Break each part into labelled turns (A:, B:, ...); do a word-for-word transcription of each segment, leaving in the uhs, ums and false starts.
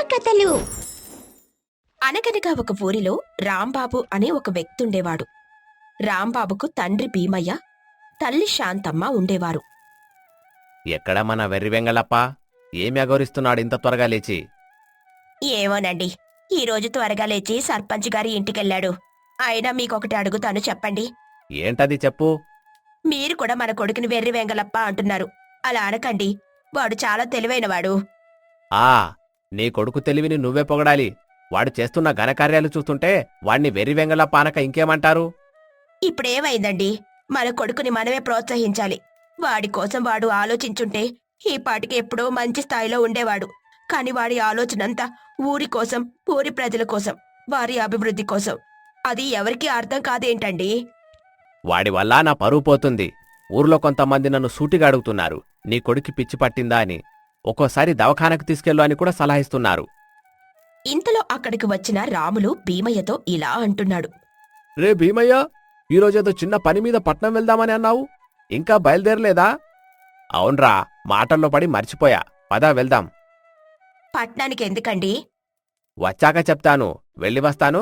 A: కథలు. అనగనగా ఒక ఊరిలో రాంబాబు అనే ఒక వ్యక్తుండేవాడు. రాంబాబుకు తండ్రి భీమయ్య, తల్లి శాంతమ్మ ఉండేవారు.
B: ఎక్కడ మన వెర్రి వెంగళప్ప? ఏమి అగౌరిస్తున్నాడు ఇంత త్వరగా లేచి?
A: ఏమోనండి, ఈరోజు త్వరగా లేచి సర్పంచ్ గారి ఇంటికెళ్ళాడు. అయినా మీకొకటి అడుగుతాను, చెప్పండి.
B: ఏంటది చెప్పు.
A: మీరు కూడా మన కొడుకుని వెర్రి వెంగళప్ప అంటున్నారు. అలా అనకండి, వాడు చాలా తెలివైనవాడు.
B: ఆ నీ కొడుకు తెలివిని నువ్వే పొగడాలి. వాడు చేస్తున్న ఘనకార్యాలు చూస్తుంటే వాణ్ణి వెర్రి వెంగళప్ప అనక ఇంకేమంటారు?
A: ఇప్పుడేమైందండి, మన కొడుకుని మనమే ప్రోత్సహించాలి. వాడి కోసం వాడు ఆలోచించుంటే ఈ పాటికి ఎప్పుడో మంచి స్థాయిలో ఉండేవాడు. కాని వాడి ఆలోచనంతా ఊరి కోసం, ఊరి ప్రజల కోసం, వారి అభివృద్ధి కోసం. అది ఎవరికీ అర్థం కాదేంటండి?
B: వాడి వల్ల నా పరువు పోతుంది. ఊర్లో కొంతమంది నన్ను సూటిగా అడుగుతున్నారు, నీ కొడుకు పిచ్చి పట్టిందా అని. ఒక్కోసారి దవాఖానకు తీసుకెళ్ళు అని కూడా సలహిస్తున్నారు.
A: ఇంతలో అక్కడికి వచ్చిన రాములు భీమయ్యతో ఇలా అంటున్నాడు.
B: రే భీమయ్య, ఈరోజేదో చిన్న పని మీద పట్నం వెళ్దామని అన్నావు, ఇంకా బయలుదేరలేదా? అవునరా, మాటల్లో పడి మర్చిపోయా. పదా వెళ్దాం.
A: పట్నానికి ఎందుకండి?
B: వచ్చాక చెప్తాను, వెళ్ళి వస్తాను.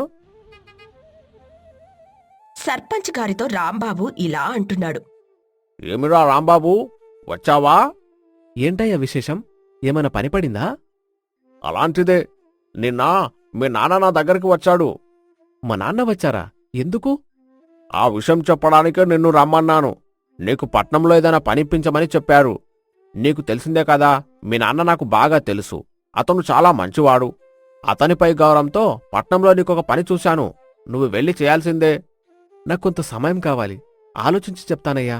A: సర్పంచ్ గారితో రాంబాబు ఇలా అంటున్నాడు.
B: ఏమిరా రాంబాబు, వచ్చావా? ఏంటయ్యా విశేషం? ఏమైనా పని పడిందా? అలాంటిదే. నిన్న మీ నాన్న నా దగ్గరికి వచ్చాడు. మా నాన్న వచ్చారా? ఎందుకు? ఆ విషయం చెప్పడానికే నిన్ను రమ్మన్నాను. నీకు పట్నంలో ఏదైనా పనిపించమని చెప్పారు. నీకు తెలిసిందే కదా, మీ నాన్న నాకు బాగా తెలుసు. అతను చాలా మంచివాడు. అతనిపై గౌరవంతో పట్నంలో నీకొక పని చూశాను. నువ్వు వెళ్ళి చేయాల్సిందే. నాకు కొంత సమయం కావాలి, ఆలోచించి చెప్తానయ్యా.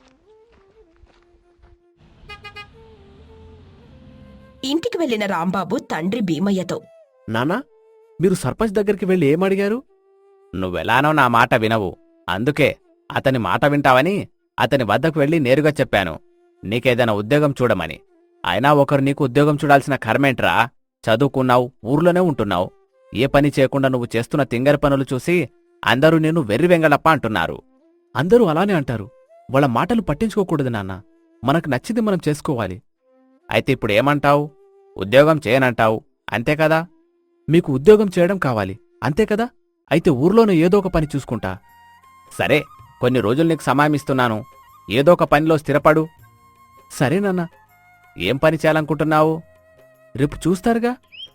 A: ఇంటికి వెళ్లిన రాంబాబు తండ్రి భీమయ్యతో,
B: నానా, మీరు సర్పంచ్ దగ్గరికి వెళ్ళి ఏమడిగారు? నువ్వెలానో నా మాట వినవు, అందుకే అతని మాట వింటావని అతని వద్దకు వెళ్ళి నేరుగా చెప్పాను, నీకేదైనా ఉద్యోగం చూడమని. అయినా ఒకరు నీకు ఉద్యోగం చూడాల్సిన కర్మేంట్రా? చదువుకున్నావు, ఊర్లోనే ఉంటున్నావు. ఏ పని చేయకుండా నువ్వు చేస్తున్న తింగరి పనులు చూసి అందరూ నేను వెర్రి వెంగళప్ప అంటున్నారు. అందరూ అలానే అంటారు. వాళ్ళ మాటలు పట్టించుకోకూడదు నాన్న. మనకు నచ్చింది మనం చేసుకోవాలి. అయితే ఇప్పుడు ఏమంటావు? ఉద్యోగం చేయనంటావు, అంతే కదా? మీకు ఉద్యోగం చేయడం కావాలి, అంతే కదా? అయితే ఊర్లోనే ఏదో ఒక పని చూసుకుంటా. సరే, కొన్ని రోజులు నీకు సమయం ఇస్తున్నాను. ఏదో ఒక పనిలో స్థిరపడు. సరే నాన్న. ఏం పని చేయాలనుకుంటున్నావు? రేపు చూస్తారుగా.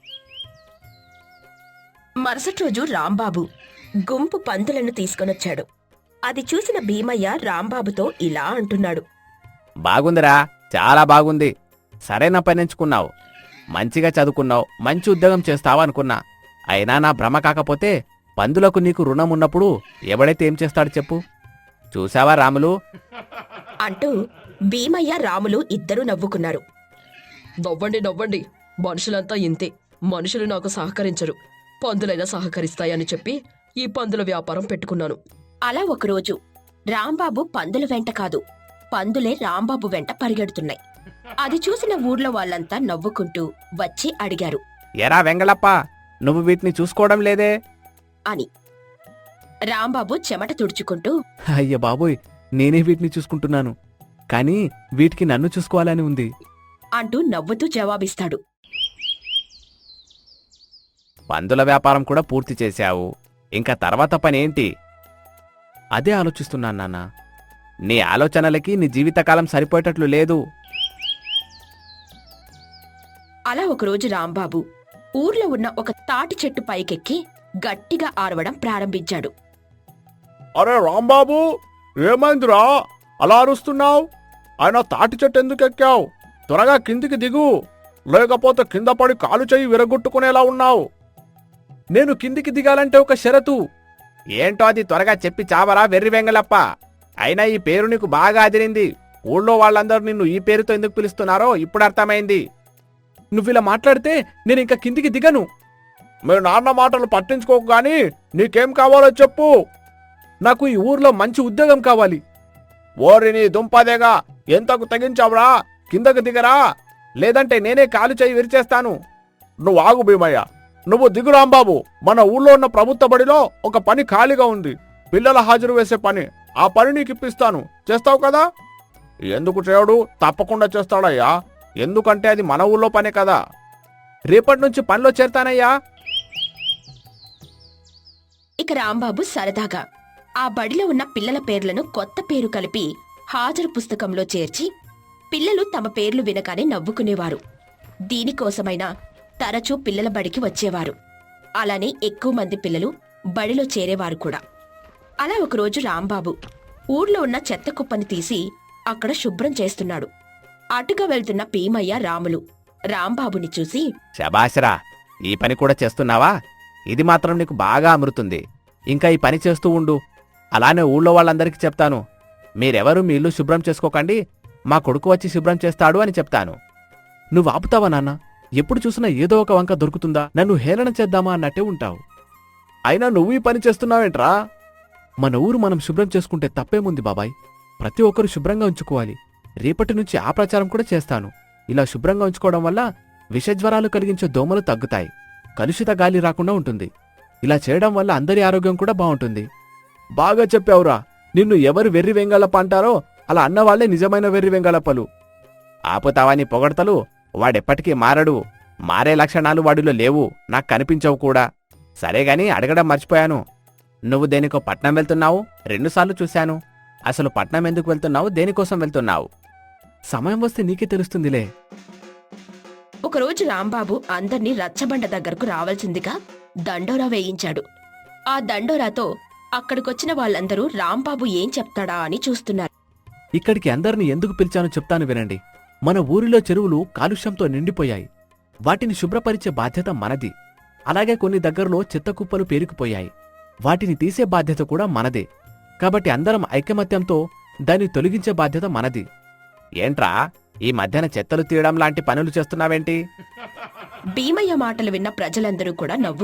A: మరుసటి రోజు రాంబాబు గుంపు పందులను తీసుకొనొచ్చాడు. అది చూసిన భీమయ్య రాంబాబుతో ఇలా అంటున్నాడు.
B: బాగుందిరా, చాలా బాగుంది. సరైన పని ఎంచుకున్నావు. మంచిగా చదువుకున్నావు, మంచి ఉద్యోగం చేస్తావా అనుకున్నా. అయినా నా భ్రమ కాకపోతే పందులకు నీకు రుణం ఉన్నప్పుడు ఎవడైతే ఏం చేస్తాడు చెప్పు. చూశావా రాములు?
A: అంటూ భీమయ్య రాములు ఇద్దరూ నవ్వుకున్నారు.
C: నవ్వండి నవ్వండి, మనుషులంతా ఇంతే. మనుషులు నాకు సహకరించరు, పందులైనా సహకరిస్తాయని చెప్పి ఈ పందుల వ్యాపారం పెట్టుకున్నాను.
A: అలా ఒకరోజు రాంబాబు పందుల వెంట కాదు, పందులే రాంబాబు వెంట పరిగెడుతున్నాయి. అది చూసిన ఊర్లో వాళ్ళంతా నవ్వుకుంటూ వచ్చి అడిగారు,
B: ఎరా వెంగళప్ప, నువ్వు వీటిని చూసుకోవడం లేదే
A: అని. రాంబాబు చెమట తుడుచుకుంటూ,
B: అయ్య బాబోయ్, నేనే వీటిని చూసుకుంటున్నాను, కానీ వీటికి నన్ను చూసుకోవాలని ఉంది
A: అంటూ నవ్వుతూ జవాబిస్తాడు.
B: పందుల వ్యాపారం కూడా పూర్తి చేశావు, ఇంకా తర్వాత పనేంటి? అదే ఆలోచిస్తున్నాను నాన్న. నీ ఆలోచనలకి నీ జీవితకాలం సరిపోయేటట్లు లేదు.
A: అలా ఒకరోజు రాంబాబు ఊర్లో ఉన్న ఒక తాటి చెట్టు పైకెక్కి గట్టిగా ఆరవడం ప్రారంభించాడు.
B: అరే రాంబాబు, ఏమైందిరా అలా అరుస్తున్నావు? ఆయన తాటి చెట్టు ఎందుకు ఎక్కావు? త్వరగా కిందికి దిగు, లేకపోతే కింద పడి కాలు చెయ్యి విరగొట్టుకునేలా ఉన్నావు. నేను కిందికి దిగాలంటే ఒక షరతు. ఏంటో అది త్వరగా చెప్పి చావరా వెర్రి వెంగళప్ప. అయినా ఈ పేరు నీకు బాగా అదిరింది. ఊళ్ళో వాళ్ళందరూ నిన్ను ఈ పేరుతో ఎందుకు పిలుస్తున్నారో ఇప్పుడు అర్థమైంది. నువ్విలా మాట్లాడితే నేను ఇంకా కిందికి దిగను. మీ నాన్న మాటలు పట్టించుకోకు గాని నీకేం కావాలో చెప్పు. నాకు ఈ ఊర్లో మంచి ఉద్యోగం కావాలి. ఓరి నీ దుంపదేగా, ఎంతకు తెగించావురా? కిందకు దిగరా, లేదంటే నేనే కాలు చేయి విరిచేస్తాను. నువ్వు ఆగు భీమయ్య, నువ్వు దిగు రాంబాబు. మన ఊళ్ళో ఉన్న ప్రభుత్వ బడిలో ఒక పని ఖాళీగా ఉంది, పిల్లల హాజరు వేసే పని. ఆ పని నీకు ఇప్పిస్తాను, చేస్తావు కదా? ఎందుకు చేయడు? తప్పకుండా చేస్తాడయ్యా. ఎందుకంటే అది మన ఊళ్ళో పనే కదా. రేపటి నుంచి పనిలో చేరతానయ్యా.
A: ఇక రాంబాబు సరదాగా ఆ బడిలో ఉన్న పిల్లల పేర్లను కొత్త పేరు కలిపి హాజరు పుస్తకంలో చేర్చి పిల్లలు తమ పేర్లు వినగానే నవ్వుకునేవారు. దీనికోసమైనా తరచూ పిల్లల బడికి వచ్చేవారు. అలానే ఎక్కువ మంది పిల్లలు బడిలో చేరేవారు కూడా. అలా ఒకరోజు రాంబాబు ఊర్లో ఉన్న చెత్త కుప్పని తీసి అక్కడ శుభ్రం చేస్తున్నాడు. అటుగా వెళ్తున్న భీమయ్య, రాములు రాంబాబుని చూసి,
D: శబాషరా, ఈ పని కూడా చేస్తున్నావా? ఇది మాత్రం నీకు బాగా అమరుతుంది. ఇంకా ఈ పని చేస్తూ ఉండు. అలానే ఊళ్ళో వాళ్ళందరికీ చెప్తాను, మీరెవరూ మీ ఇల్లు శుభ్రం చేసుకోకండి, మా కొడుకు వచ్చి శుభ్రం చేస్తాడు అని చెప్తాను. నువ్వు ఆపుతావా నాన్న? ఎప్పుడు చూసినా ఏదో ఒక వంక దొరుకుతుందా? నన్ను హేళన చేద్దామా అన్నట్టే ఉంటావు.
B: అయినా నువ్వు ఈ పని చేస్తున్నావేంట్రా?
D: మన ఊరు మనం శుభ్రం చేసుకుంటే తప్పేముంది బాబాయ్? ప్రతి ఒక్కరూ శుభ్రంగా ఉంచుకోవాలి. రేపటి నుంచి ఆ ప్రచారం కూడా చేస్తాను. ఇలా శుభ్రంగా ఉంచుకోవడం వల్ల విషజ్వరాలు కలిగించే దోమలు తగ్గుతాయి, కలుషిత గాలి రాకుండా ఉంటుంది. ఇలా చేయడం వల్ల అందరి ఆరోగ్యం కూడా బాగుంటుంది.
B: బాగా చెప్పావురా. నిన్ను ఎవరు వెర్రి వెంగళప్ప అంటారో అలా అన్నవాళ్లే నిజమైన వెర్రి వెంగళప్పలు.
D: ఆపుతావా నీ పొగడ్తలు? వాడెప్పటికీ మారడు. మారే లక్షణాలు వాడిలో లేవు, నాకు కనిపించవు కూడా. సరేగాని అడగడం మర్చిపోయాను. నువ్వు దేనికో పట్నం వెళ్తున్నావు? రెండుసార్లు చూశాను. అసలు పట్నం ఎందుకు వెళ్తున్నావు? దేనికోసం వెళ్తున్నావు?
B: సమయం వస్తే నీకే తెలుస్తుందిలే.
A: ఒకరోజు రాంబాబు అందర్నీ రచ్చబండ దగ్గరకు రావాల్సిందిగా దండోరా వేయించాడు. ఆ దండోరాతో అక్కడికొచ్చిన వాళ్ళందరూ రాంబాబు ఏం చెప్తాడా అని చూస్తున్నారు.
B: ఇక్కడికి అందరిని ఎందుకు పిలిచానో చెప్తాను వినండి. మన ఊరిలో చెరువులు కాలుష్యంతో నిండిపోయాయి. వాటిని శుభ్రపరిచే బాధ్యత మనది. అలాగే కొన్ని దగ్గరలో చెత్తకుప్పలు పేరుకుపోయాయి. వాటిని తీసే బాధ్యత కూడా మనదే. కాబట్టి అందరం ఐకమత్యంతో దాన్ని తొలగించే బాధ్యత మనది.
D: ఏంట్రా, ఈ మధ్యన చెత్తలు తీయడం లాంటి పనులు చేస్తున్నావేంటి?
A: భీమయ్య మాటలు విన్న ప్రజలందరూ కూడా నవ్వు.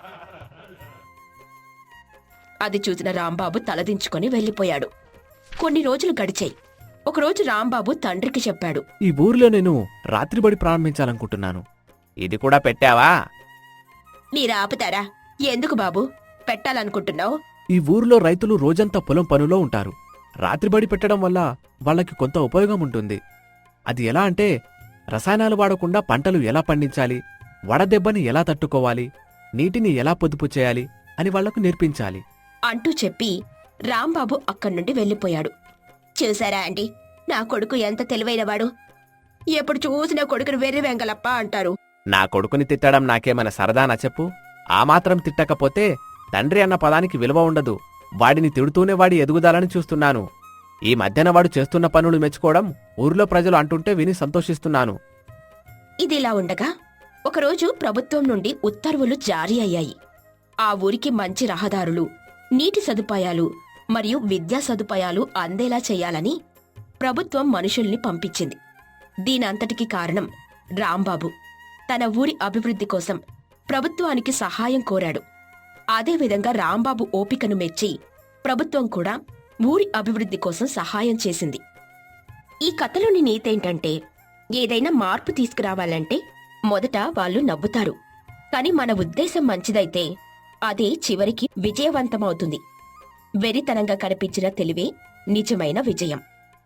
A: అది చూసిన రాంబాబు తలదించుకొని వెళ్లిపోయాడు. కొన్ని రోజులు గడిచాయి. ఒకరోజు రాంబాబు తండ్రికి చెప్పాడు,
B: ఈ ఊరిలో నేను రాత్రిబడి ప్రారంభించాలనుకుంటున్నాను.
D: ఇది కూడా పెట్టావా?
A: మీరు ఆపుతారా? ఎందుకు బాబు పెట్టాలనుకుంటున్నావు?
B: ఈ ఊరిలో రైతులు రోజంతా పొలం పనులో ఉంటారు. రాత్రిబడి పెట్టడం వల్ల వాళ్ళకి కొంత ఉపయోగం ఉంటుంది. అది ఎలా అంటే, రసాయనాలు వాడకుండా పంటలు ఎలా పండించాలి, వడదెబ్బని ఎలా తట్టుకోవాలి, నీటిని ఎలా పొదుపు చేయాలి అని వాళ్లకు నేర్పించాలి
A: అంటూ చెప్పి రాంబాబు అక్కడి నుండి వెళ్లిపోయాడు. చూసారా అండి, నా కొడుకు ఎంత తెలివైనవాడు. ఎప్పుడు చూసినా కొడుకును వెర్రి వెంగలప్ప అంటారు.
D: నా కొడుకుని తిట్టడం నాకేమైనా సరదానా చెప్పు? ఆ మాత్రం తిట్టకపోతే తండ్రి అన్న పదానికి విలువ ఉండదు. వాడిని తిడుతూనే వాడి ఎదుగుదలని చూస్తున్నాను. ఈ మధ్యన వాడు చేస్తున్న పనులు మెచ్చుకోవడం ఊరిలో ప్రజలు అంటుంటే విని సంతోషిస్తున్నాను.
A: ఇదిలా ఉండగా ఒకరోజు ప్రభుత్వం నుండి ఉత్తర్వులు జారీ అయ్యాయి. ఆ ఊరికి మంచి రహదారులు, నీటి సదుపాయాలు మరియు విద్యా సదుపాయాలు అందేలా చేయాలని ప్రభుత్వం మనుషుల్ని పంపించింది. దీనంతటికీ కారణం రాంబాబు. తన ఊరి అభివృద్ధి కోసం ప్రభుత్వానికి సహాయం కోరాడు. అదేవిధంగా రాంబాబు ఓపికను మెచ్చి ప్రభుత్వం కూడా ఊరి అభివృద్ధి కోసం సహాయం చేసింది. ఈ కథలోని నీతేంటంటే, ఏదైనా మార్పు తీసుకురావాలంటే మొదట వాళ్ళు నవ్వుతారు. కాని మన ఉద్దేశం మంచిదైతే అదే చివరికి విజయవంతమవుతుంది. వెరితనంగా కనిపించిన తెలివే నిజమైన విజయం.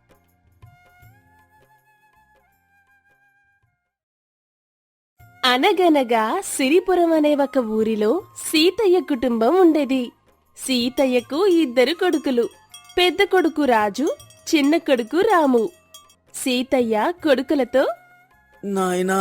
E: అనగనగా సిరిపురం అనే ఒక ఊరిలో సీతయ్య కుటుంబం ఉండేది. సీతయ్యకు ఇద్దరు కొడుకులు. పెద్ద కొడుకు రాజు, చిన్న కొడుకు రాము. సీతయ్య కొడుకులతో,
F: నాయనా,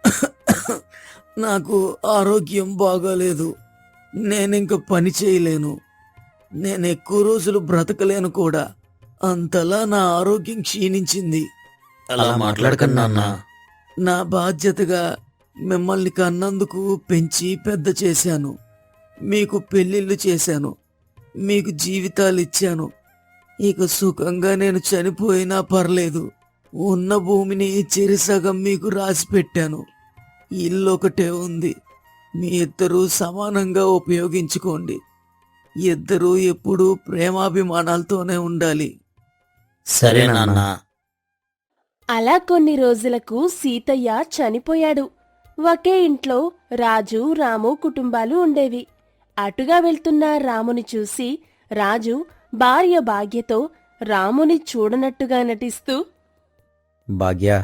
F: నాకు ఆరోగ్యం బాగాలేదు. నేనింక పని చేయలేను. నేను ఎక్కువ రోజులు బ్రతకలేను కూడా. అంతలా నా ఆరోగ్యం క్షీణించింది.
G: అలా మాట్లాడకండి నాన్న.
F: నా బాధ్యతగా మిమ్మల్ని కన్నందుకు పెంచి పెద్ద చేశాను. మీకు పెళ్లిళ్ళు చేశాను. మీకు జీవితాలు ఇచ్చాను. ఇక సుఖంగా నేను చనిపోయినా పర్లేదు. ఉన్న భూమిని చెరిసగం మీకు రాసి పెట్టాను. ఇల్లు ఒకటే ఉంది. మీ ఇద్దరూ సమానంగా ఉపయోగించుకోండి. ఇద్దరూ ఎప్పుడూ ప్రేమాభిమానాలతోనే ఉండాలి.
G: సరే నాన్న.
E: అలా కొన్ని రోజులకు సీతయ్య చనిపోయాడు. ఒకే ఇంట్లో రాజు, రాము కుటుంబాలు ఉండేవి. అటుగా వెళ్తున్న రాముని చూసి రాజు భార్య భాగ్యతో రాముని చూడనట్టుగా నటిస్తూ,
G: భాగ్య,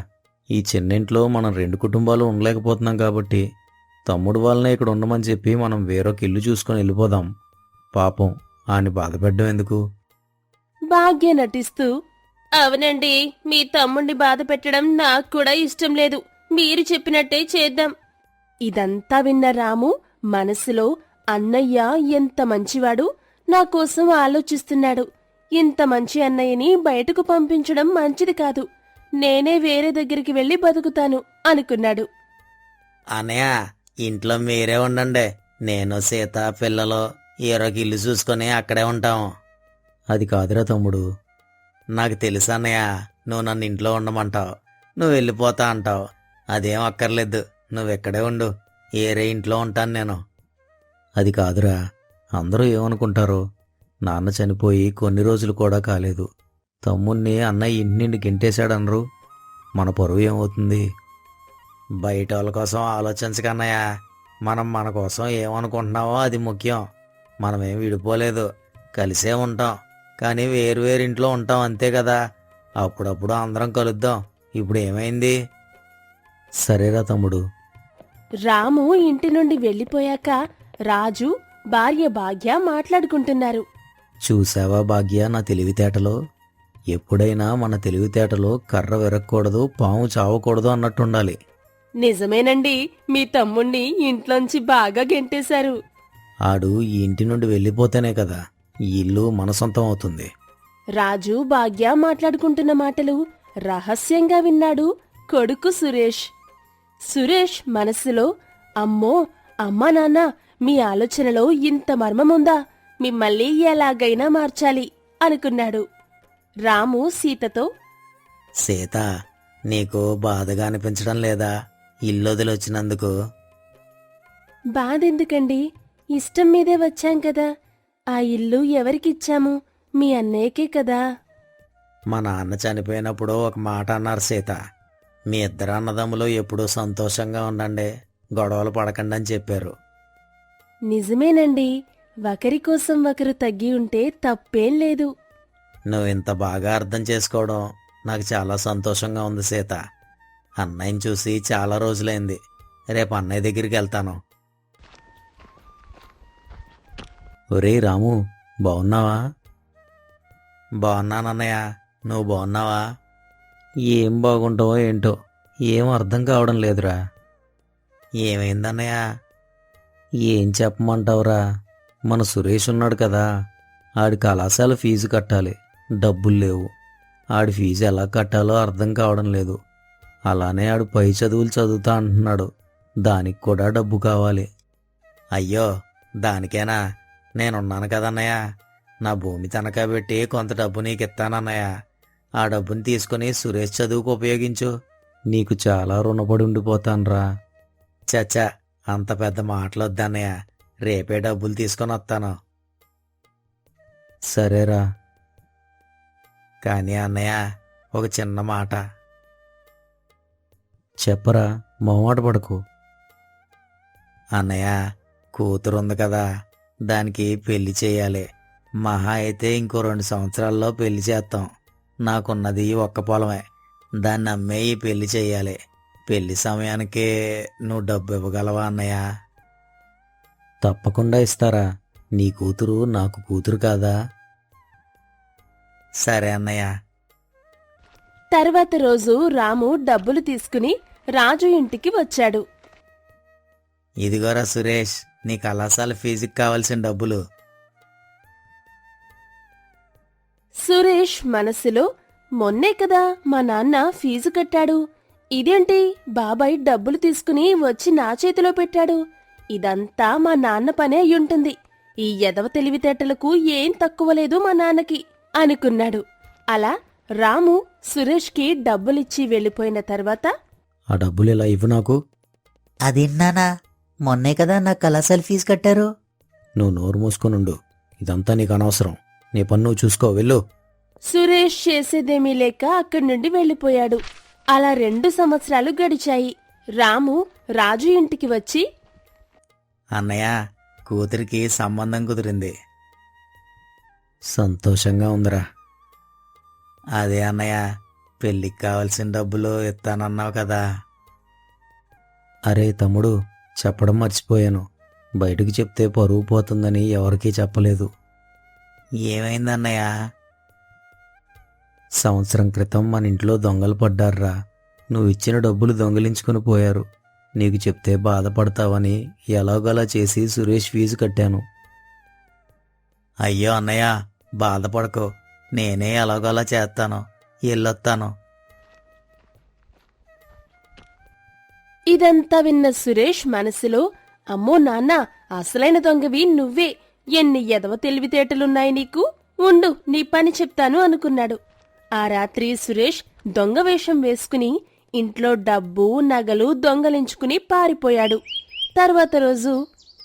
F: ఈ చిన్నింట్లో మనం రెండు కుటుంబాలు ఉండలేకపోతున్నాం కాబట్టి తమ్ముడు వాళ్ళనే ఇక్కడ ఉండమని చెప్పి మనం వేరొక ఇల్లు చూసుకొని వెళ్ళిపోదాం. పాపం ఆని బాధపెట్టడం ఎందుకు?
E: భాగ్య నటిస్తూ, అవునండి, మీ తమ్ముణ్ణి బాధ పెట్టడం నాకు కూడా ఇష్టం లేదు. మీరు చెప్పినట్టే చేద్దాం. ఇదంతా విన్న రాము మనసులో, అన్నయ్య ఎంత మంచివాడు, నా కోసం ఆలోచిస్తున్నాడు. ఇంత మంచి అన్నయ్యని బయటకు పంపించడం మంచిది కాదు. నేనే వేరే దగ్గరికి వెళ్లి బతుకుతాను అనుకున్నాడు.
G: అనయ్య, ఇంట్లో మీరే ఉండండి. నేను సీత పిల్లలు ఏరొక ఇల్లు చూసుకొని అక్కడే ఉంటాం.
F: అది కాదురా తమ్ముడు.
G: నాకు తెలుసు అన్నయ్య, నువ్వు నన్ను ఇంట్లో ఉండమంటావు, నువ్వు వెళ్ళిపోతా అంటావు. అదేం అక్కర్లేదు, నువ్వెక్కడే ఉండు. ఏరే ఇంట్లో ఉంటాను నేను.
F: అది కాదురా, అందరూ ఏమనుకుంటారో. నాన్న చనిపోయి కొన్ని రోజులు కూడా కాలేదు. తమ్ముణ్ణి అన్నయ్య ఇంటి నుండి గెంటేశాడనరు. మన పరువు ఏమవుతుంది?
G: బయట వాళ్ళ కోసం ఆలోచించకన్నయ్య. మనం మన కోసం ఏమనుకుంటున్నావో అది ముఖ్యం. మనమేం విడిపోలేదు, కలిసే ఉంటాం. కానీ వేరు వేరు ఇంట్లో ఉంటాం, అంతే కదా. అప్పుడప్పుడు అందరం కలుద్దాం. ఇప్పుడు ఏమైంది?
F: సరేరా తమ్ముడు.
E: రాము ఇంటి నుండి వెళ్లిపోయాక రాజు, భార్య భాగ్య మాట్లాడుకుంటున్నారు.
F: చూసావా భాగ్య నా తెలివితేటలో? ఎప్పుడైనా మన తెలివితేటలో కర్ర విరక్కూడదు, పాము చావకూడదు అన్నట్టుండాలి.
E: నిజమేనండి, మీ తమ్ముణ్ణి ఇంట్లోంచి బాగా గెంటేశారు.
F: ఆడు ఈ ఇంటి నుండి వెళ్ళిపోతేనే కదా ఈ ఇల్లు మన సొంతం అవుతుంది.
E: రాజు, భాగ్య మాట్లాడుకుంటున్న మాటలు రహస్యంగా విన్నాడు కొడుకు సురేష్. సురేష్ మనస్సులో, అమ్మో, అమ్మా నాన్న, మీ ఆలోచనలో ఇంత మర్మముందా? మిమ్మల్ని ఎలాగైనా మార్చాలి అనుకున్నాడు. రాము సీతతో,
G: సీత, నీకు బాధగా అనిపించడం లేదా ఇల్లు వదిలొచ్చినందుకు?
E: బాధెందుకండి, ఇష్టం మీదే వచ్చాం కదా. ఆ ఇల్లు ఎవరికిచ్చాము? మీ అన్నయ్యకే కదా.
G: మా నాన్న చనిపోయినప్పుడు ఒక మాట అన్నారు సీత. మీ ఇద్దరు అన్నదమ్ములు ఎప్పుడూ సంతోషంగా ఉండండి, గొడవలు పడకండి అని చెప్పారు.
E: నిజమేనండి, ఒకరి కోసం ఒకరు తగ్గి ఉంటే తప్పేం లేదు.
G: నువ్వు ఇంత బాగా అర్థం చేసుకోవడం నాకు చాలా సంతోషంగా ఉంది సీత. అన్నయ్యని చూసి చాలా రోజులైంది. రేపు అన్నయ్య దగ్గరికి వెళ్తాను.
F: ఒరేయ్ రాము, బావున్నావా?
G: బాగున్నానన్నయ్య, నువ్వు బాగున్నావా?
F: ఏం బాగుంటావో ఏంటో, ఏం అర్థం కావడం లేదురా.
G: ఏమైందన్నయ్య?
F: ఏం చెప్పమంటావురా, మన సురేష్ ఉన్నాడు కదా, ఆడి కళాశాల ఫీజు కట్టాలి, డబ్బులు లేవు. ఆడి ఫీజు ఎలా కట్టాలో అర్థం కావడం లేదు. అలానే ఆడు పై చదువులు చదువుతా అంటున్నాడు, దానికి కూడా డబ్బు కావాలి.
G: అయ్యో, దానికేనా? నేనున్నాను కదన్నయ్య. నా భూమి తనఖా పెట్టి కొంత డబ్బు నీకు ఇస్తానన్నయ్య. ఆ డబ్బుని తీసుకుని సురేష్ చదువుకు ఉపయోగించు.
F: నీకు చాలా రుణపడి ఉండిపోతాన్రా.
G: చచ్చా, అంత పెద్ద మాటలు వద్దన్నయ్య. రేపే డబ్బులు తీసుకొని వస్తాను.
F: సరేరా.
G: కానీ అన్నయ్య, ఒక చిన్న మాట.
F: చెప్పరా, మొహమాట పడకు.
G: అన్నయ్య, కూతురుంది కదా, దానికి పెళ్లి చేయాలి. మహా అయితే ఇంకో రెండు సంవత్సరాల్లో పెళ్లి చేస్తాం. నాకున్నది ఒక్క పొలమే, దాన్ని అమ్మేయి పెళ్లి చేయాలి. పెళ్లి సమయానికి నువ్వు డబ్బు ఇవ్వగలవా అన్నయ్య?
F: తప్పకుండా ఇస్తారా, నీ కూతురు నాకు కూతురు కాదా?
G: సరే అన్నయ్య.
E: తర్వాత రోజు రాము డబ్బులు తీసుకుని రాజు ఇంటికి వచ్చాడు.
G: ఇదిగోరా సురేష్, నీ కళాశాల ఫీజుకి కావాల్సిన డబ్బులు.
E: సురేష్ మనసులో, మొన్నే కదా మా నాన్న ఫీజు కట్టాడు, ఇదేంటి బాబాయ్ డబ్బులు తీసుకుని వచ్చి నా చేతిలో పెట్టాడు? ఇదంతా మా నాన్న పనే అయ్యుంటుంది. ఈ ఎదవ తెలివితేటలకు ఏం తక్కువ లేదు మా నాన్నకి అనుకున్నాడు. అలా రాము సురేష్కి డబ్బులిచ్చి వెళ్ళిపోయిన తర్వాత,
F: ఆ డబ్బులు ఇలా ఇవ్వు నాకు.
H: అదేంటన్నా, మొన్నే కదా నా కళాశాల ఫీజు కట్టారు.
F: నువ్వు నోరు మూసుకొనుండు, ఇదంతా నీకు అనవసరం. నీ పన్ను నువ్వు చూసుకో, వెళ్ళు.
E: సురేష్ చేసేదేమీ లేక అక్కడి నుండి వెళ్ళిపోయాడు. అలా రెండు సంవత్సరాలు గడిచాయి. రాము రాజు ఇంటికి వచ్చి,
G: అన్నయ్య, కూతురికి సంబంధం కుదిరింది.
F: సంతోషంగా ఉందిరా.
G: అదే అన్నయ్య, పెళ్ళికి కావాల్సిన డబ్బులు ఇస్తానన్నావు కదా.
F: అరే తమ్ముడు, చెప్పడం మర్చిపోయాను. బయటకు చెప్తే పరువు పోతుందని ఎవరికీ చెప్పలేదు.
G: ఏమైందన్నయ్య?
F: సంవత్సరం క్రితం మన ఇంట్లో దొంగలు పడ్డారురా. నువ్వు ఇచ్చిన డబ్బులు దొంగిలించుకుని పోయారు. నీకు చెప్తే బాధపడతావని ఎలాగోలా చేసి సురేష్ ఫీజు కట్టాను.
G: అయ్యో అన్నయ్య, బాధపడకు. నేనే ఎలాగోలా చేస్తాను. వెళ్ళొస్తాను.
E: ఇదంతా విన్న సురేష్ మనసులో, అమ్మో నాన్న, అసలైన దొంగవి నువ్వే. ఎన్ని ఎదవ తెలివితేటలున్నాయి నీకు. ఉండు, నీ పని చెప్తాను అనుకున్నాడు. ఆ రాత్రి సురేష్ దొంగ వేషం వేసుకుని ఇంట్లో డబ్బు నగలు దొంగలించుకుని పారిపోయాడు. తర్వాత రోజు,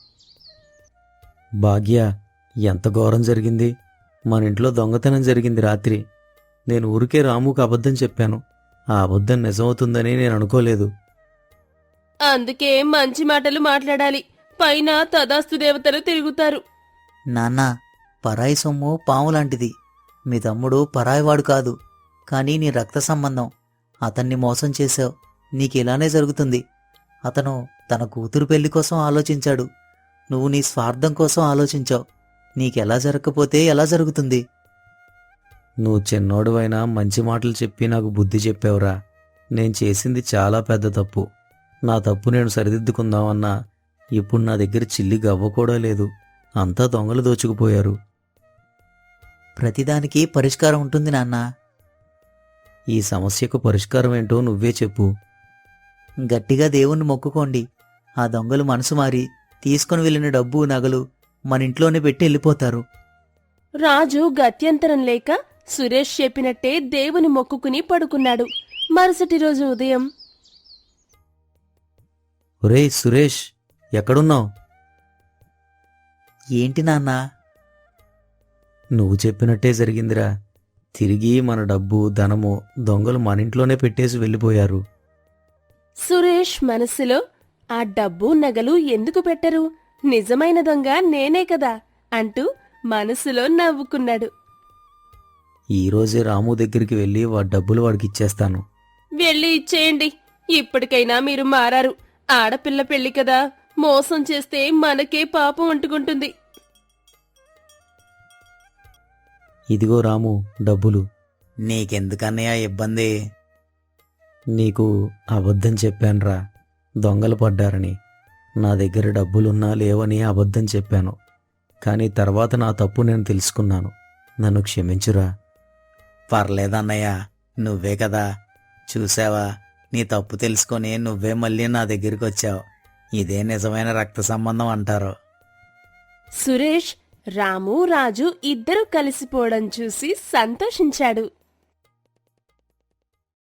F: భాగ్య, ఎంత ఘోరం జరిగింది. మన ఇంట్లో దొంగతనం జరిగింది రాత్రి. నేను ఊరికే రాముకు అబద్ధం చెప్పాను. ఆ అబద్ధం నిజమవుతుందని నేను అనుకోలేదు.
E: అందుకే మంచి మాటలు మాట్లాడాలి. పైన తదాస్తు దేవతలు తిరుగుతారు.
H: నాన్న, పరాయి సొమ్ము పాము లాంటిది. మీ తమ్ముడు పరాయివాడు కాదు, కానీ నీ రక్త సంబంధం. అతన్ని మోసం చేశావు. నీకిలానే జరుగుతుంది. అతను తన కూతురు పెళ్లి కోసం ఆలోచించాడు. నువ్వు నీ స్వార్థం కోసం ఆలోచించావు. నీకెలా జరగకపోతే ఎలా జరుగుతుంది?
F: నువ్వు చిన్నోడువైనా మంచి మాటలు చెప్పి నాకు బుద్ధి చెప్పావురా. నేను చేసింది చాలా పెద్ద తప్పు. నా తప్పు నేను సరిదిద్దుకుందామన్నా ఇప్పుడు నా దగ్గర చిల్లి గవ్వ కూడా లేదు. అంతా దొంగలు దోచుకుపోయారు.
H: ప్రతిదానికి పరిష్కారం ఉంటుంది నాన్న.
F: ఈ సమస్యకు పరిష్కారం ఏంటో నువ్వే చెప్పు.
H: గట్టిగా దేవుణ్ణి మొక్కుకోండి. ఆ దొంగలు మనసు మారి తీసుకుని వెళ్ళిన డబ్బు నగలు మన ఇంట్లోనే పెట్టి వెళ్ళిపోతారు.
E: రాజు గత్యంతరం లేక సురేష్ చెప్పినట్టే దేవుని మొక్కుకుని పడుకున్నాడు. మరుసటి రోజు ఉదయం,
F: ఒరేయ్ సురేష్, ఎక్కడున్నావు?
H: ఏంటి నాన్నా?
F: నువ్వు చెప్పినట్టే జరిగిందిరా. తిరిగి మన డబ్బు ధనము దొంగలు మన ఇంట్లోనే పెట్టేసి వెళ్ళిపోయారు.
E: సురేష్ మనసులో, ఆ డబ్బు నగలు ఎందుకు పెట్టరు? నిజమైన దొంగ నేనే కదా అంటూ మనసులో నవ్వుకున్నాడు.
F: ఈరోజే రాము దగ్గరికి వెళ్ళి వాడి డబ్బులు వాడికి ఇచ్చేస్తాను.
E: వెళ్ళి ఇచ్చేయండి. ఇప్పటికైనా మీరు మారారు. ఆడపిల్ల పెళ్లి కదా, మోసం చేస్తే మనకే పాపం అంటుకుంటుంది.
F: ఇదిగో రాము, డబ్బులు.
G: నీకెందుకన్నయ్య ఇబ్బంది?
F: నీకు అబద్ధం చెప్పానురా, దొంగలు పడ్డారని. నా దగ్గర డబ్బులున్నా లేవని అబద్ధం చెప్పాను. కానీ తర్వాత నా తప్పు నేను తెలుసుకున్నాను. నన్ను క్షమించురా.
G: పర్లేదన్నయ్య, నువ్వే కదా. చూసావా, నీ తప్పు తెలుసుకొని నువ్వే మళ్ళీ నా దగ్గరికి వచ్చావు. ఇదే నిజమైన రక్త సంబంధం అంటారు.
E: సురేష్, రాము, రాజు ఇద్దరూ కలిసిపోవడం చూసి సంతోషించాడు.